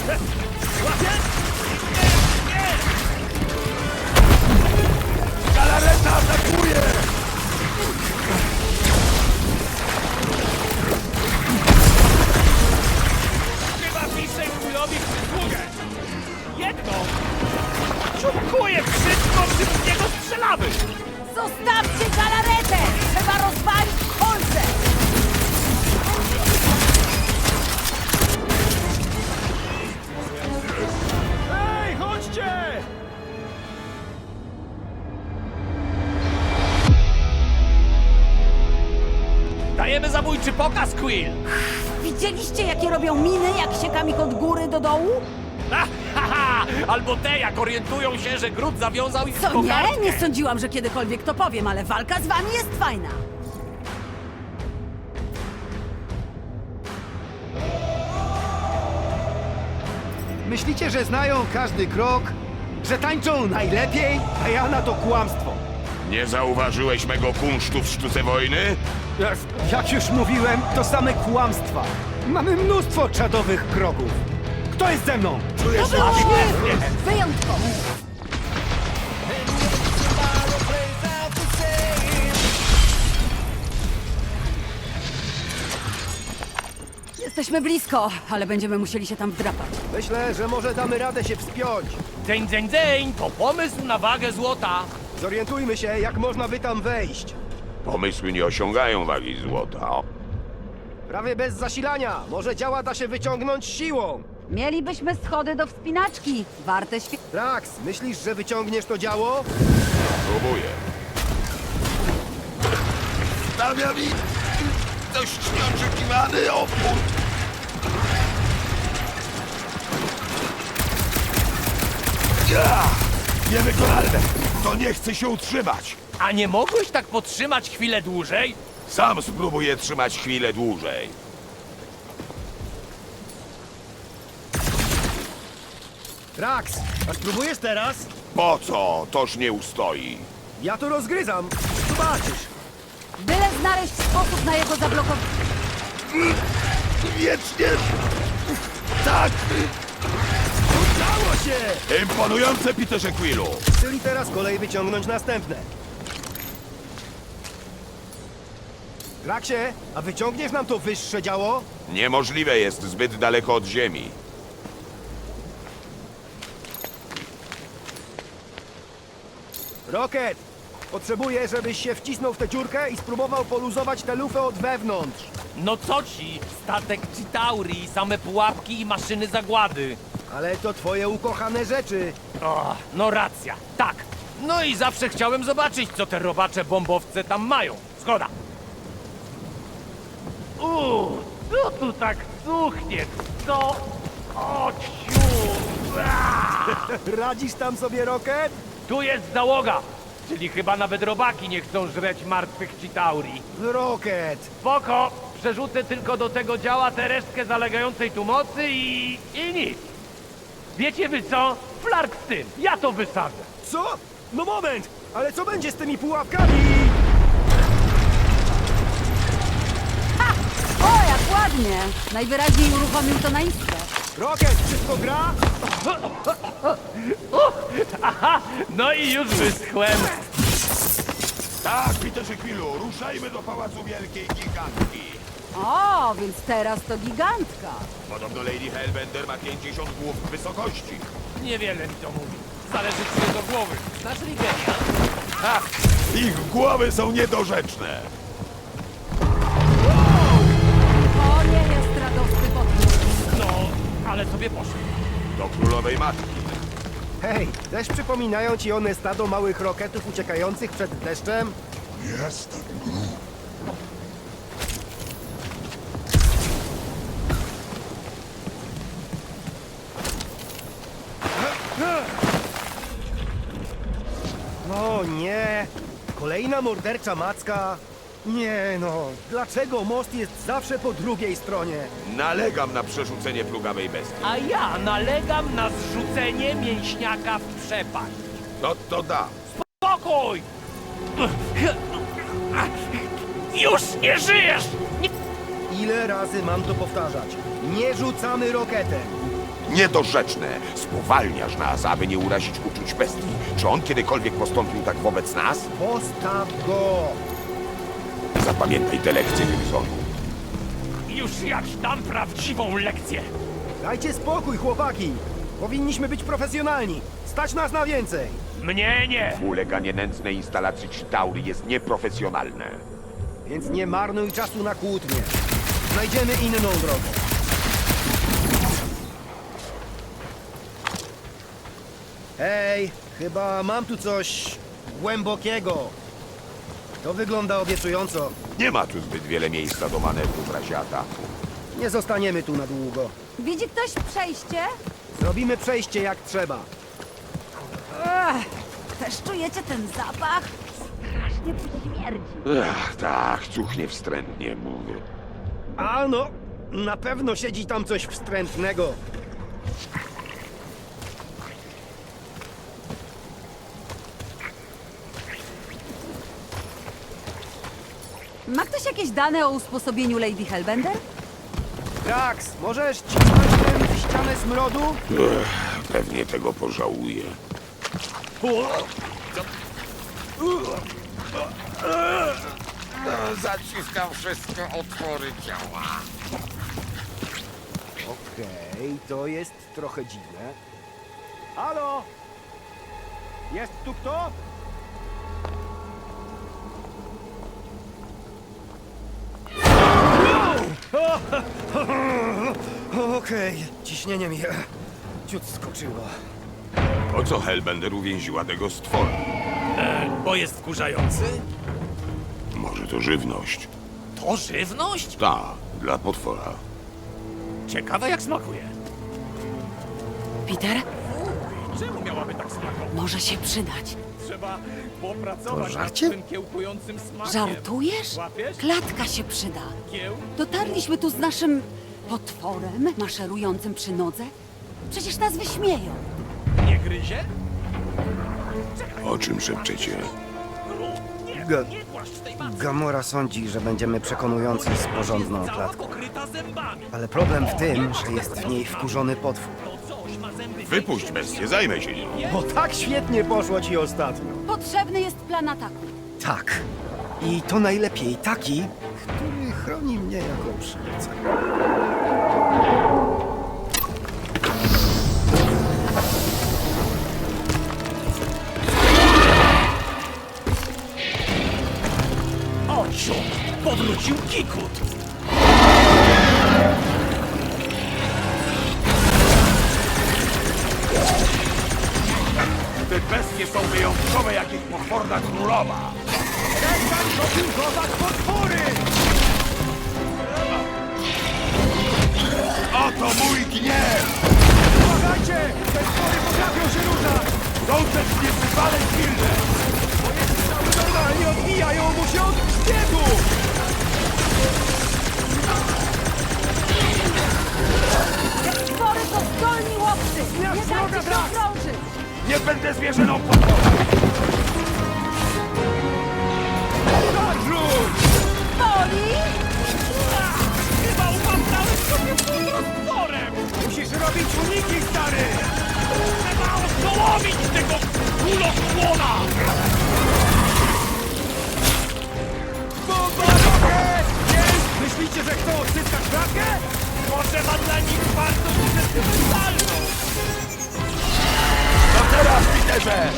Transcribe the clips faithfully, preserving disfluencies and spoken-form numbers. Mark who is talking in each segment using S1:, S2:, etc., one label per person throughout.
S1: Łapiesz? Nie, nie! Galareta atakuje! Chyba piszę królowi przysługę. Jedno! Dziękuję wszystko, czym z niego strzelamy!
S2: Zostawcie galaretę! Trzeba rozwalić kolce!
S1: Ej, chodźcie! Dajemy zabójczy pokaz, Quill!
S2: Widzieliście, jakie robią miny, jak siekam ich od góry do dołu?
S1: Ha, ha, ha! Albo te, jak orientują się, że Groot zawiązał ich w
S2: Co
S1: kokardkę.
S2: nie? Nie sądziłam, że kiedykolwiek to powiem, ale walka z wami jest fajna.
S3: Myślicie, że znają każdy krok? Że tańczą najlepiej? A ja na to kłamstwo.
S4: Nie zauważyłeś mego kunsztu w sztuce wojny?
S3: Jak, jak już mówiłem, to same kłamstwa. Mamy mnóstwo czadowych kroków. Kto jest ze mną?
S2: To było świetnie! Wyjątkowo! Jesteśmy blisko, ale będziemy musieli się tam wdrapać.
S3: Myślę, że może damy radę się wspiąć.
S1: Dzień, dzień, dzień! To pomysł na wagę złota!
S3: Zorientujmy się, jak można by tam wejść.
S4: Pomysły nie osiągają wagi złota.
S3: Prawie bez zasilania. Może działa da się wyciągnąć siłą.
S2: Mielibyśmy schody do wspinaczki. Warte świe...
S3: Drax, myślisz, że wyciągniesz to działo?
S4: Próbuję. Stawia mi dość nieoczekiwany opór. Ja! Niewykonalne! To nie chce się utrzymać!
S1: A nie mogłeś tak podtrzymać chwilę dłużej?
S4: Sam spróbuję trzymać chwilę dłużej.
S3: Drax, a spróbujesz teraz?
S4: Po co? Toż nie ustoi.
S3: Ja to rozgryzam. Zobaczysz.
S2: Byle znaleźć sposób na jego zablokowanie.
S4: Wiecznie! Tak!
S3: Udało się!
S4: Imponujące, Peterze Quillu!
S3: Czyli teraz kolej wyciągnąć następne. Draxie, a wyciągniesz nam to wyższe działo?
S4: Niemożliwe jest zbyt daleko od ziemi.
S3: Rocket, potrzebuję, żebyś się wcisnął w tę dziurkę i spróbował poluzować tę lufę od wewnątrz.
S1: No co ci? Statek Chitauri, same pułapki i maszyny zagłady.
S3: Ale to twoje ukochane rzeczy.
S1: O, no racja, tak. No i zawsze chciałem zobaczyć, co te robacze bombowce tam mają. Zgoda. Uuu, co tu tak cuchnie? Co? O, ciu! Aaa!
S3: Radzisz tam sobie, Rocket?
S1: Tu jest załoga, czyli chyba nawet robaki nie chcą żreć martwych Chitauri.
S3: Rocket!
S1: Spoko, przerzucę tylko do tego działa tę resztkę zalegającej tu mocy i... i nic. Wiecie wy co? Flark z tym, ja to wysadzę.
S3: Co? No moment! Ale co będzie z tymi pułapkami?
S2: O, jak ładnie! Najwyraźniej uruchomił to na iskrę.
S3: Rocket, wszystko gra?
S1: Aha, no i już wyschłem.
S4: Tak, Peterze Quillu, ruszajmy do Pałacu Wielkiej Gigantki.
S2: O, więc teraz to gigantka.
S4: Podobno Lady Hellbender ma pięćdziesiąt głów wysokości.
S1: Niewiele mi to mówi. Zależy ci do głowy. Znasz Rigenia?
S4: Ha! Ich głowy są niedorzeczne.
S2: O, nie jest radosny podróż.
S1: No, ale sobie poszedł.
S4: Do królowej matki.
S3: Hej, też przypominają ci one stado małych roketów uciekających przed deszczem?
S4: Jestem
S3: O nie! Kolejna mordercza macka? Nie no, dlaczego most jest zawsze po drugiej stronie?
S4: Nalegam na przerzucenie plugawej bestii.
S1: A ja nalegam na zrzucenie mięśniaka w przepaść.
S4: To to da.
S1: Spokój! Już nie żyjesz! Nie...
S3: Ile razy mam to powtarzać? Nie rzucamy roketem!
S4: Niedorzeczne. Spowalniasz nas, aby nie urazić uczuć bestii. Czy on kiedykolwiek postąpił tak wobec nas?
S3: Postaw go!
S4: Zapamiętaj tę lekcję, Gryzonu.
S1: Już ja ci dam prawdziwą lekcję.
S3: Dajcie spokój, chłopaki! Powinniśmy być profesjonalni. Stać nas na więcej.
S1: Mnie nie.
S4: Uleganie nędznej instalacji Chitaury jest nieprofesjonalne.
S3: Więc nie marnuj czasu na kłótnie. Znajdziemy inną drogę. Hej, chyba mam tu coś głębokiego. To wygląda obiecująco.
S4: Nie ma tu zbyt wiele miejsca do manewru w razie ataku.
S3: Nie zostaniemy tu na długo.
S2: Widzi ktoś przejście?
S3: Zrobimy przejście jak trzeba.
S2: Ech, też czujecie ten zapach? Strasznie tu śmierdzi.
S4: Ach, tak, cuchnie wstrętnie, mówię.
S3: A no, na pewno siedzi tam coś wstrętnego.
S2: Ma ktoś jakieś dane o usposobieniu Lady Hellbender?
S3: Drax, możesz cisnąć tę ścianę smrodu?
S4: Ech, pewnie tego pożałuję. Zaciskam wszystkie otwory ciała.
S3: Okej, to jest trochę dziwne. Halo? Jest tu kto? Okej, ciśnienie mi e, ciut skoczyło.
S4: Po co Hellbender uwięziła tego stwora?
S1: Bo jest wkurzający?
S4: Może to żywność?
S1: To żywność?
S4: Ta, dla potwora.
S1: Ciekawe jak smakuje.
S2: Peter,
S1: Czemu miałaby tak smakować?
S2: może się przydać.
S1: Trzeba popracować
S3: To
S1: nad
S3: żarcie?
S1: tym kiełkującym smakiem.
S2: Żartujesz?
S1: Łapiesz?
S2: Klatka się przyda.
S1: Kieł?
S2: Dotarliśmy tu z naszym potworem maszerującym przy nodze. Przecież nas wyśmieją.
S1: Nie gryzie?
S4: O czym szepczecie?
S1: Nie,
S3: Ga-
S1: nie płaszcz w tej matce.
S3: Gamora sądzi, że będziemy przekonujący z porządną
S1: Jest cała
S3: klatką.
S1: pokryta zębami.
S3: Ale problem w tym, że jest w niej wkurzony potwór.
S1: To coś ma zęby.
S4: Wypuść bestię, zajmę się nią.
S3: Bo tak świetnie poszło ci ostatnio.
S2: Potrzebny jest plan ataku.
S3: Tak. I to najlepiej taki, który chroni mnie jako przywódcę.
S1: Ociu! Powrócił Kikut!
S4: Te bestie są wyjątkowe jak ich potworna królowa.
S3: Przestań dopingować potwory!
S4: Oto mój gniew!
S3: Uważajcie! Te potwory potrafią się ruszać!
S4: Są też niezwykle silne!
S3: Normalnie odbijają mu się od biegu!
S2: Te stwory to zdolni łowcy! Nie
S3: Zmiast wroga,
S2: dajcie się
S3: Drax!
S2: okrążyć!
S4: Nie będę zwierzyną potworą!
S3: Tak, rzuć!
S2: Boli?
S1: Chyba upamtałeś sobie pół roztworem!
S3: Musisz robić uniki, stary!
S1: Trzeba oszołomić tego kulosłona!
S3: Bomba rokiet! Jest! Myślicie, że chcą odzyskać klatkę?
S1: Może ma dla nich bardzo sentymentalną!
S4: To teraz, Peterze!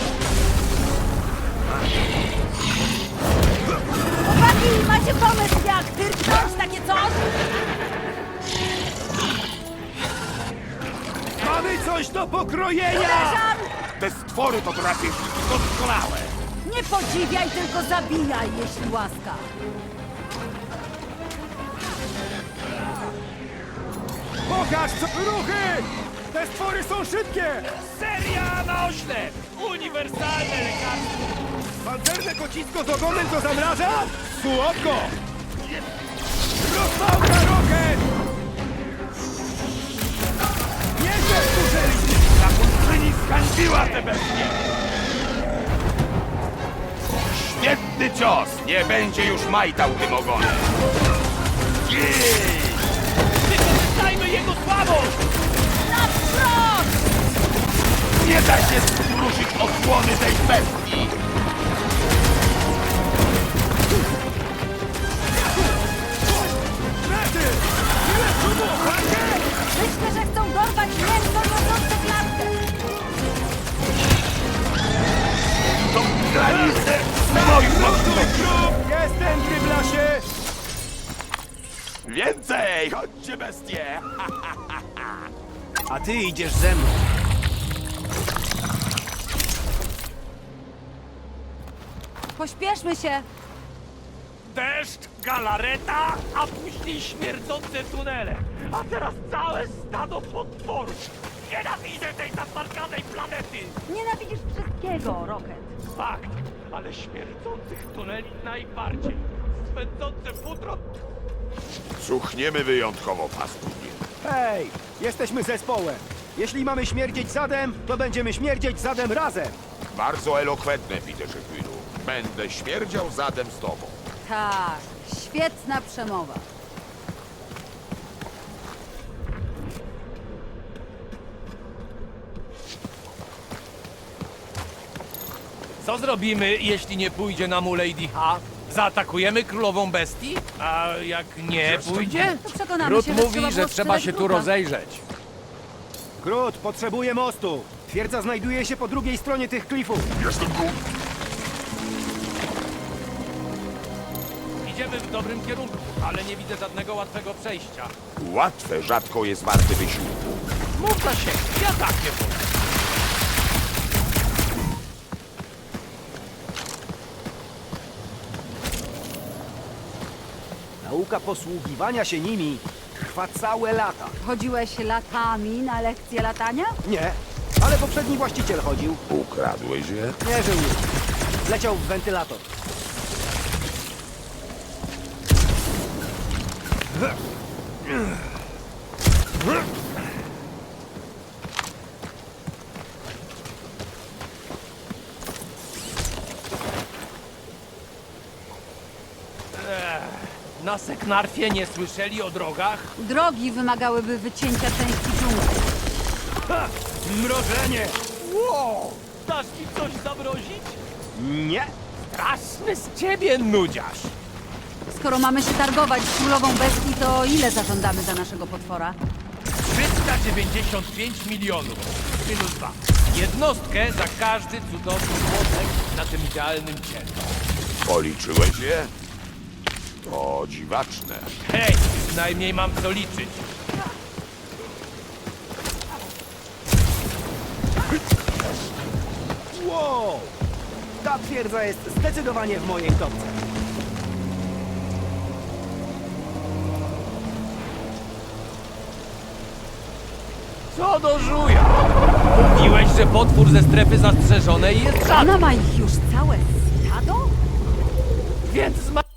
S2: Chłopaki, macie pomysł jak tyrknąć takie coś?
S3: Mamy coś do pokrojenia!
S2: Uderzam!
S4: Te stwory to drapieżniki doskonałe!
S2: Nie podziwiaj, tylko zabijaj, jeśli łaska.
S3: Pokaż co ruchy! Te stwory są szybkie!
S1: Seria na oślep! Uniwersalne lekarstwo!
S3: Pancerne kocisko z ogonem to zamraża? Słodko! Rozpałka rokiet! Nieźle wkurzyli!
S4: Zakonczyni skańdziła te bestie! Świetny cios! Nie będzie już majtał tym ogonem! Jej!
S1: Wykorzystajmy jego słabość!
S2: Naprzód!
S4: bestii!
S2: Myślę, że chcą dorwać mięso niosące klatkę.
S4: To granice moich możliwości!
S3: Jestem, Gryblasie!
S4: Więcej! Chodźcie, bestie!
S3: A ty idziesz ze mną.
S2: Pośpieszmy się.
S1: Deszcz, galareta, a później śmierdzące tunele. A teraz całe stado potworów. Nienawidzę tej zasmarkanej planety.
S2: Nienawidzisz wszystkiego, Rocket.
S1: Fakt, ale śmierdzących tuneli najbardziej. Swędzące futro...
S4: Cuchniemy wyjątkowo paskudnie.
S3: Hej, jesteśmy zespołem. Jeśli mamy śmierdzieć zadem, to będziemy śmierdzieć zadem razem.
S4: Bardzo elokwentne, Peterze Quillu. Będę śmierdział zadem z tobą.
S2: Tak, świetna przemowa.
S1: Co zrobimy, jeśli nie pójdzie nam u Lady H? Zaatakujemy królową bestii? A jak nie pójdzie?
S2: To przekonamy
S1: Grud
S2: się, że
S1: mówi,
S2: trzeba
S1: że
S2: było
S1: trzeba się
S2: sprzedać
S1: tu
S2: Gruta.
S1: rozejrzeć.
S3: Grud, potrzebuję mostu. Twierdza znajduje się po drugiej stronie tych klifów.
S4: Jestem tu.
S1: Idziemy w dobrym kierunku, ale nie widzę żadnego łatwego przejścia.
S4: Łatwe rzadko jest warte wysiłku.
S1: Mów za siebie, ja tak nie powiem.
S3: Nauka posługiwania się nimi trwa całe lata.
S2: Chodziłeś latami na lekcje latania?
S3: Nie, ale poprzedni właściciel chodził.
S4: Ukradłeś je?
S3: Nie żył już. Leciał w wentylator.
S1: Na Seknarfie nie słyszeli o drogach?
S2: Drogi wymagałyby wycięcia części dżungli.
S1: Ha! Mrożenie! Wow! Dasz mi coś zamrozić?
S3: Nie.
S1: Straszny z ciebie nudziarz!
S2: Skoro mamy się targować z królową bestii, to ile zażądamy za naszego potwora?
S1: trzysta dziewięćdziesiąt pięć milionów minus dwa. Jednostkę za każdy cudowny młotek na tym idealnym ciele.
S4: Policzyłeś je? To dziwaczne.
S1: Hej, przynajmniej mam co liczyć.
S3: Wow! Ta twierdza jest zdecydowanie w mojej topce.
S1: Co do żuja? Mówiłeś, że potwór ze strefy zastrzeżonej jest żadny,
S2: Ona ma ich już całe stado?
S1: więc zma...